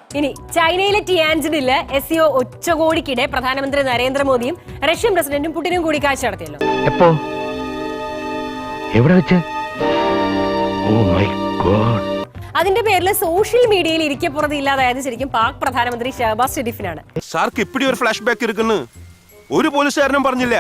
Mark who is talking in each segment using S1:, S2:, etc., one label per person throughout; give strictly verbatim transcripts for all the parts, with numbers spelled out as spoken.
S1: ഇനി ചൈനയിലെ ടിയാൻജിനില് S CO ഉച്ചകോടിക്കിടെ പ്രധാനമന്ത്രി നരേന്ദ്രമോദിയും റഷ്യൻ പ്രസിഡന്റും പുടിനും കൂടിക്കാഴ്ച നടത്തിയല്ലോ.
S2: എപ്പോ എവിടെ വെച്ച്? Oh my God.
S1: അതിന്റെ പേരിൽ സോഷ്യൽ മീഡിയയിൽ ഇരിക്കപ്പുറത്ത് ഇല്ലാതായത് ശരിക്കും പാക് പ്രധാനമന്ത്രി ഷഹബാസ് ഷെരീഫിനാണ്.
S3: സാർക്ക് ഇപ്പിടി ഒരു ഫ്ലാഷ് ബാക്ക് ഇരിക്കുന്നു. ഒരു പോലീസുകാരനും പറഞ്ഞില്ല.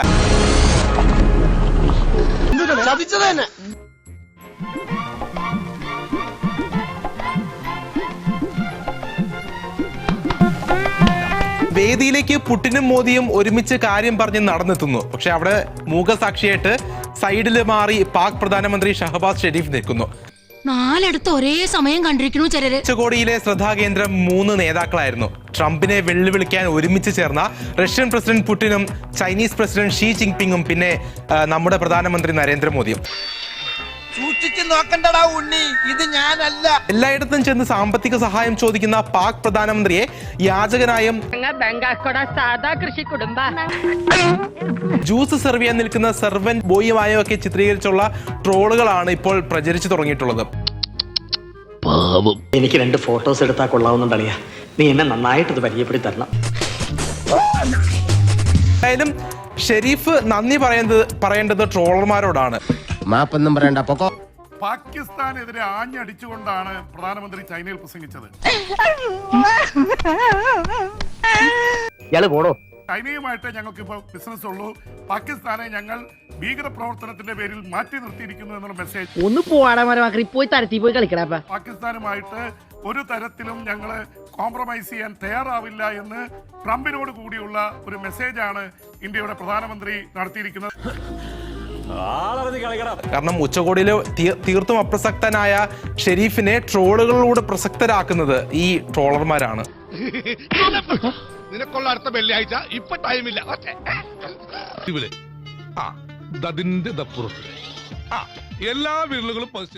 S4: വേദിയിലേക്ക് പുടിനും മോദിയും ഒരുമിച്ച് കാര്യം പറഞ്ഞ് നടന്നെത്തുന്നു. പക്ഷെ അവിടെ മൂകസാക്ഷിയായിട്ട് സൈഡിൽ മാറി പാക് പ്രധാനമന്ത്രി ഷഹബാസ് ഷെരീഫ് നിൽക്കുന്നു.
S5: നാലിടത്ത് ഒരേ സമയം കണ്ടിരിക്കുന്നു ചിലര്.
S4: ഉച്ചകോടിയിലെ ശ്രദ്ധാകേന്ദ്രം മൂന്ന് നേതാക്കളായിരുന്നു. ട്രംപിനെ വെല്ലുവിളിക്കാൻ ഒരുമിച്ച് ചേർന്ന റഷ്യൻ പ്രസിഡന്റ് പുടിനും ചൈനീസ് പ്രസിഡന്റ് ഷീ ജിൻപിങ്ങും പിന്നെ നമ്മുടെ പ്രധാനമന്ത്രി നരേന്ദ്രമോദിയും.
S6: ഇത് ഞാനല്ല.
S4: എല്ലായിടത്തും ചെന്ന് സാമ്പത്തിക സഹായം ചോദിക്കുന്ന പാക് പ്രധാനമന്ത്രിയെ യാചകനായും ജ്യൂസ് സെർവ് ചെയ്യാൻ നിൽക്കുന്ന സെർവന്റ് ബോയുമായും ഒക്കെ ചിത്രീകരിച്ചുള്ള ട്രോളുകളാണ് ഇപ്പോൾ പ്രചരിച്ചു തുടങ്ങിയിട്ടുള്ളത്.
S7: എനിക്ക് രണ്ട് ഫോട്ടോസ് എടുത്താൽ കൊള്ളാവുന്നുണ്ടറിയാ. നീ എന്നെ നന്നായിട്ട് ഇത് പരിചയപ്പെടുത്തി തരണം.
S4: എന്തായാലും ഷെരീഫ് നന്ദി പറയുന്നത് പറയേണ്ടത് ട്രോളർമാരോടാണ്.
S2: മാപ്പൊന്നും പറയണ്ട. പൊക്കോ.
S8: പാകിസ്ഥാനെതിരെ ആഞ്ഞടിച്ചുകൊണ്ടാണ് പ്രധാനമന്ത്രി ചൈനയിൽ പ്രസംഗിച്ചത്.
S7: ഇയാള് പോടോ.
S8: ചൈനയുമായിട്ട് ഞങ്ങൾക്ക് ഇപ്പോൾ ബിസിനസ് ഉള്ളൂ. പാകിസ്ഥാനെ ഞങ്ങൾ ഭീകര പ്രവർത്തനത്തിന്റെ പേരിൽ മാറ്റി നിർത്തിയിരിക്കുന്നു എന്നുള്ള മെസ്സേജ്.
S6: ഒന്ന് പോവാടാ പോയി തരത്തി പോയി കളിക്കടാ.
S8: പാകിസ്ഥാനുമായിട്ട് ഒരു തരത്തിലും ഞങ്ങൾ കോംപ്രമൈസ് ചെയ്യാൻ തയ്യാറാവില്ല എന്ന് ട്രംപിനോട് കൂടിയുള്ള ഒരു മെസ്സേജാണ് ഇന്ത്യയുടെ പ്രധാനമന്ത്രി നടത്തിയിരിക്കുന്നത്.
S4: കാരണം ഉച്ചകോടിയിൽ തീർത്തും അപ്രസക്തനായ ഷെരീഫിനെ ട്രോളുകളിലൂടെ പ്രസക്തരാക്കുന്നത് ഈ ട്രോളർമാരാണ്.
S9: നിനക്കുള്ള അടുത്ത വെള്ളിയാഴ്ച ഇപ്പൊ ടൈമില്ല. അതിന്റെ എല്ലാ വിരലുകളും